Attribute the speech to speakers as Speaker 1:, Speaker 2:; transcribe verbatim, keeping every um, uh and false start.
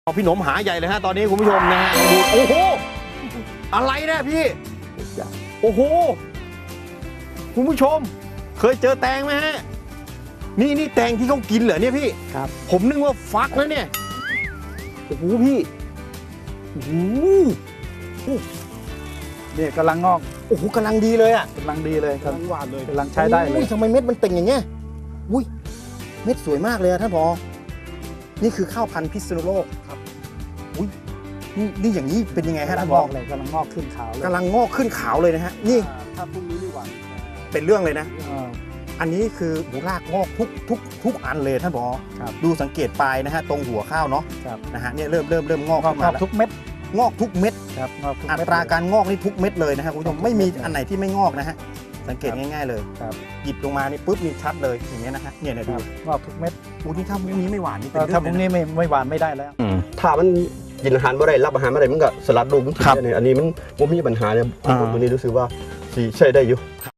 Speaker 1: เอาพี่หนมหาใหญ่เลยฮะตอนนี้คุณผู้ชมนะฮะดูโอ้โหอะไรนะพี่โอ้โหคุณผู้ชมเคยเจอแตงไหมฮะนี่นี่แตงที่เขากินเหรอเนี่ยพี่ครับผมนึกว่าฟักนะเนี่ยโอ้โหพี่โอ้โห
Speaker 2: เนี่ยกำลังงอก
Speaker 1: โอ้โหกำลังดีเลยอ่ะ
Speaker 2: กำลังดีเลยกำลังหวานเลยกำลังใช้ได้เลย
Speaker 1: ทำไมเม็ดมันเต่งอย่างเงี้ยอุ้ยเม็ดสวยมากเลยท่านผอนี่คือข้าวพันธุ์พิษณุโลกครับอุ้ยนี่นี่อย่างนี้เป็นยังไงฮะท่านผอ
Speaker 2: เลยกำลังงอกขึ้นขาว
Speaker 1: กำลังงอกขึ้นขาวเลยนะฮะนี่
Speaker 2: ถ้าพรุ่งนี้ไม่หวาน
Speaker 1: เป็นเรื่องเลยนะอันนี้คือรากงอกทุกทุกทุกอันเลยท่านผอดูสังเกตปลายนะฮะตรงหัวข้าวเนาะนะฮะเนี่ยเริ่มเริ่มเริ่มงอกขึ้นมาแล้ว
Speaker 2: ทุกเม็ด
Speaker 1: งอกทุกเม็ด
Speaker 2: ครับ
Speaker 1: อัตราการงอกนี่ทุกเม็ดเลยนะฮะคุณผู้ชมไม่มีอันไหนที่ไม่งอกนะฮะสังเกตง่ายๆเลยหยิบลงมานี่ปุ๊บนี่ชัดเลยอย่างเงี้ยนะฮะเนี่ยดู
Speaker 2: งอกทุกเม็ด
Speaker 1: อูนี่ถ้าพรุ่งนี้ไม่หวานนี่เป็นเรื่อง
Speaker 2: ถ้าพรุ่งนี้ไม่ไม่หวานไม่ได้แล้ว
Speaker 3: ถ้ามันกินอาหารไม่ได้รับอาหารไม่ได้มันก็สลัดลูกมันกินได้เนี่ยอันนี้มันผมมีปัญหาเนี่ยผมวันนี้รู้สึกว่าสีใช้ได้อยู่